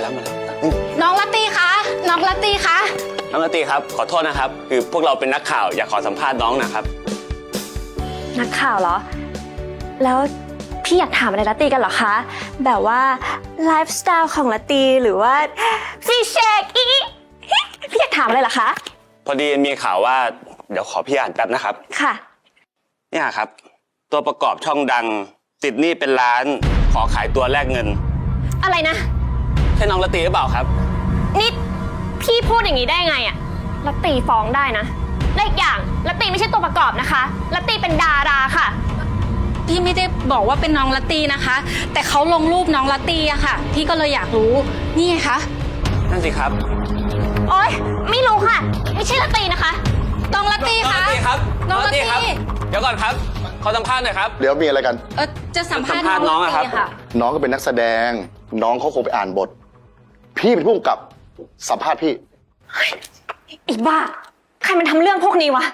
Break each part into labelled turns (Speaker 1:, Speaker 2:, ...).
Speaker 1: แล้วมาแล้ว
Speaker 2: น้องลัตตี้คะน้องลัตตี้คะ
Speaker 1: น้องลัตตี้ครับขอโทษนะครับคือพวกเราเป็นนักข่าวอยากขอสัมภาษณ์น้องนะครับ
Speaker 3: นักข่าวเหรอ แล้วพี่อยากถามอะไรลัตตีกันเหรอคะ แบบว่าไลฟ์สไตล์ของลัตตีหรือว่าฟีเชกอีพี่อยากถามอะไรเหรอคะ
Speaker 1: พอดีมีข่าวว่าเดี๋ยวขอพี่อ่านแป๊บนะครับ
Speaker 3: ค่ะ
Speaker 1: เนี่ยครับตัวประกอบช่องดังติดหนี้เป็นล้านขอขายตัวแลกเงิน
Speaker 3: อะไรนะ
Speaker 1: ใช่น้องลัตตี้หรือเปล่าครับ
Speaker 3: นี่พี่พูดอย่างนี้ได้ไงอะลัตตีฟ้องได้นะและอีกอย่างลัตตีไม่ใช่ตัวประกอบนะคะลัตตีเป็นดาราค่ะ
Speaker 2: พี่ไม่ได้บอกว่าเป็นน้องลัตตี้นะคะ แต่เขาลงรูปน้องลัตตี้อะค่ะ พี่ก็เลยอยากรู้นี่ไงคะ
Speaker 1: นั่นสิครับ
Speaker 3: โอ๊ยไม่รู้ค่ะ ไม่ใช่ลัตตีนะคะ
Speaker 2: น้องลัตตี้
Speaker 1: น้อง
Speaker 2: คะ
Speaker 1: ลัตตี้ครับ
Speaker 2: น้องลัตตี้
Speaker 1: ครับเดี๋ยวก่อนครับขอสัมภาษณ์หน่อยครับ
Speaker 4: เดี๋ยวมีอะไรกัน
Speaker 2: จะสัมภาษณ์
Speaker 1: สัมภาษณ์น้องอะครับ
Speaker 2: ลัตตี้ค่ะ
Speaker 4: น้องก็เป็นนักแสดง น้องเขาคงไปอ่านบท พี่เป็นผู้กำกับสัมภาษณ์พี่
Speaker 3: อีบ้าใครมันทำเรื่องพวกนี้วะ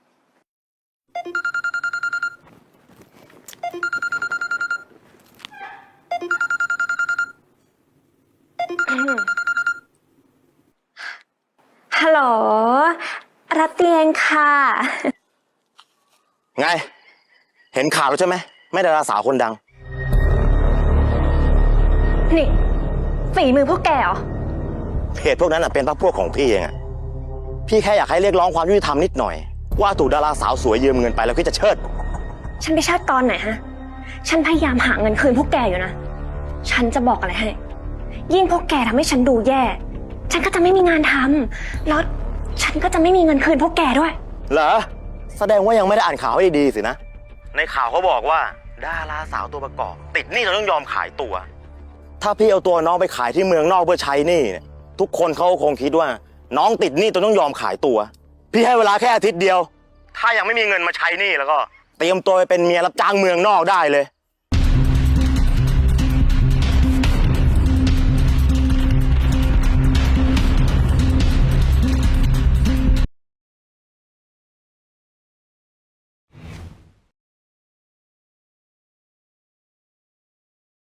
Speaker 3: ฮัลโหลรัตเตียงค่ะ
Speaker 5: ไง เห็นข่าวแล้วใช่ไหมแม่ดาราสาวคนดัง
Speaker 3: นี่ฝีมือพวกแกเหรอ
Speaker 5: เพจพวกนั้นเป็นพรรคพวกของพี่เองอะพี่แค่อยากให้เรียกร้องความยุติธรรมนิดหน่อย ว่าถูกดาราสาวสวยยืมเงินไปแล้วพี่จะเชิด
Speaker 3: ฉันไปเชิดตอนไหนฮะ ฉันพยายามหาเงินคืนพวกแกอยู่นะ ฉันจะบอกอะไรให้ ยิ่งพวกแกทำให้ฉันดูแย่ ฉันก็จะไม่มีงานทำแล้วฉันก็จะไม่มีเงินคืนพวกแกด้วย
Speaker 5: เหรอ แสดงว่ายังไม่ได้อ่านข่าวให้ดีๆสินะ ในข่าวเขาบอกว่าดาราสาวตัวประกอบ ติดหนี้จนต้องยอมขายตัว ถ้าพี่เอาตัวน้องไปขายที่เมืองนอกเพื่อใช้หนี้เนี่ยทุกคนเขาคงคิดว่า น้องติดหนี้จนต้องยอมขายตัว พี่ให้เวลาแค่อาทิตย์เดียว ถ้ายังไม่มีเงินมาใช้หนี้แล้วก็เตรียมตัวไปเป็นเมียรับจ้างเมืองนอกได้เลย